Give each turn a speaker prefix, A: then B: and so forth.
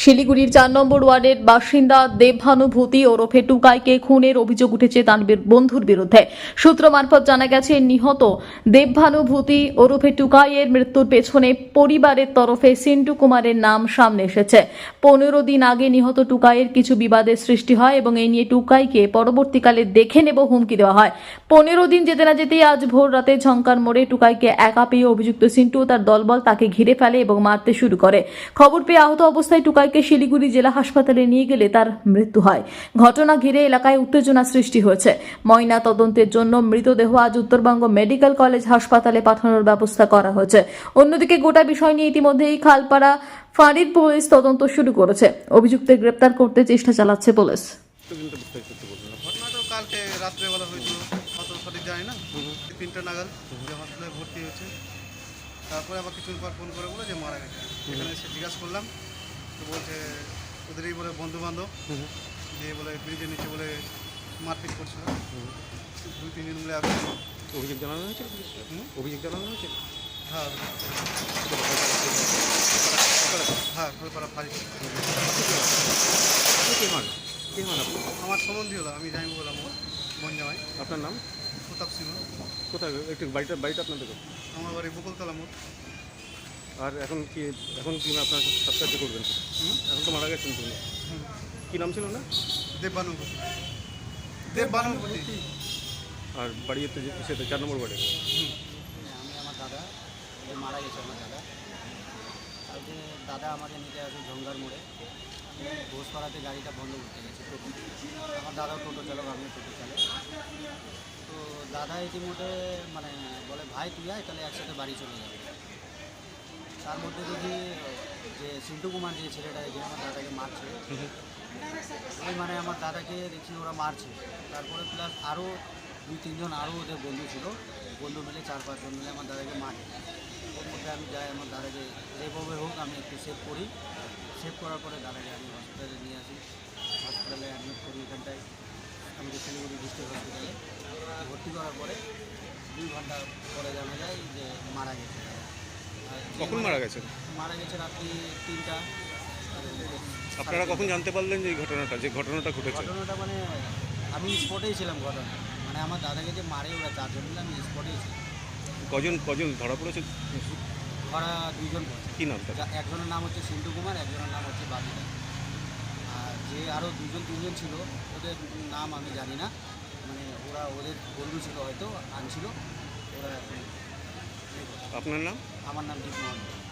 A: শিলিগুড়ির 4 নম্বর ওয়ার্ডের বাসিন্দা দেবভানুভূতি ওরফে টুকাইকে খুনের অভিযোগ উঠেছে তার বন্ধুর বিরুদ্ধে। সূত্র মারফত জানা গেছে, নিহত দেবভানুভূতি ওরফে টুকাইয়ের মৃত্যুর পেছনে পরিবারের তরফে সিন্টু কুমারের নাম সামনে এসেছে। 15 দিন আগে নিহত টুকাইয়ের কিছু বিবাদের সৃষ্টি হয় এবং এই নিয়ে টুকাইকে পরবর্তীকালে দেখে নেব হুমকি দেওয়া হয়। 15 দিন যেতে না যেতেই আজ ভোর রাতে ঝংকার মোড়ে টুকাইকে একা পেয়ে অভিযুক্ত সিন্টু ও তার দলবল তাকে ঘিরে ফেলে এবং মারতে শুরু করে। খবর পেয়ে আহত অবস্থায় টুকাইকে শিলিগুড়ি জেলা হাসপাতালে নিয়ে গেলে তার মৃত্যু হয়। ঘটনা ঘিরে এলাকায় উত্তেজনা সৃষ্টি হয়েছে। ময়না তদন্তের জন্য মৃতদেহ আজ উত্তরবঙ্গ মেডিকেল কলেজ হাসপাতালে পাঠানোর ব্যবস্থা করা হয়েছে। অন্যদিকে গোটা বিষয় নিয়ে ইতিমধ্যেই খালপাড়া ফাঁড়ির পুলিশ তদন্ত শুরু করেছে। অভিযুক্তদের গ্রেপ্তার করতে চেষ্টা চালাচ্ছে পুলিশ।
B: ঘটনাটা কালকে রাত্রেবেলা হয়েছিল, অত সঠিক জানি না। 3টা নাগাদ যে হসপিটালে ভর্তি হয়েছে, তারপরে আবার কিছুদিন পর ফোন করে বলে যে মারা গেছে। এখানে এসে জিজ্ঞাসা করলাম, তো বলছে ওদেরই বলে বন্ধু বান্ধব দিয়ে বলে ব্রিজের নিচে বলে মারপিট করছিল। 2-3 দিন মিলে আসছে।
C: অভিযোগ জানানো হয়েছে? অভিযোগ জানানো হয়েছে?
B: হ্যাঁ হ্যাঁ, খোলপাড়া ফাঁড়ি। আমার সম্বন্ধী হলো, আমি জানি বললাম ওর বোন জামাই।
C: আপনার নাম?
B: প্রতাপ সিংহ।
C: কোথায় একটু বাড়িটা আপনাদের?
B: আমার বাড়ি বকুলতলা মোড়।
C: আর এখন কি আপনার সাবস্ক্রাইব করবেন? এখন তো মারা গেছেন তুমি। কি নাম ছিল না?
B: দেবভানুভূতি।
C: আর বাড়ি সেটা 4 নম্বর ওয়ার্ডে।
D: আমি আমার দাদা মারা গেছে। আমার দাদা কালকে আমাকে নিতে আসে ঝঙ্গার মোড়ে। ঘোষপাড়াতে গাড়িটা বন্ধ করতে গেছে টোটো। আমার দাদাও টোটো চালক, আমিও টোটো চালক। তো দাদা ইতিমধ্যে বলে ভাই তুই আয়, তাহলে একসাথে বাড়ি চলে যাবে। তার মধ্যে দেখি যে সিন্টু কুমার যে ছেলেটা যে আমার দাদাকে মারছে, ওই আমার দাদাকে দেখি ওরা মারছে। তারপরে প্লাস আরও 2-3 জন আরও ওদের বন্ধু ছিল, বন্ধু মিলে 4-5 জন মিলে আমার দাদাকে মারে। ওর মধ্যে আমি যাই, আমার দাদাকে যেভাবে হোক আমি একটু সেভ করি। সেভ করার পরে দাদাকে আমি হসপিটালে নিয়ে আসি। হসপিটালে অ্যাডমিট করি। এখানটায় আমাদের শিলিগুড়ি ডিস্ট্রিক্ট হসপিটালে ভর্তি করার পরে 2 ঘন্টা পরে জানা যায় যে মারা গেছে।
C: কখন মারা গেছে?
D: মারা গেছে রাত্রি 3টা।
C: আপনারা কখন জানতে পারলেন যে এই ঘটনাটা ঘটেছে?
D: ঘটনাটা আমি স্পটেই ছিলাম। ঘটনা আমার দাদাকে যে মারে ওরা 4 জন মিলে, আমি স্পটেই ছিলাম।
C: কজন ধরা পড়েছে?
D: ওরা 2 জন পড়ছে।
C: কী নাম?
D: একজনের নাম হচ্ছে সিন্টু কুমার, একজনের নাম হচ্ছে বাবিদা। আর যে আরও 2-3 জন ছিল, ওদের নাম আমি জানি না। ওরা ওদের বন্ধু ছিল, হয়তো আনছিল ওরা।
C: আপনার নাম?
D: আমার নাম দীপ মোহন।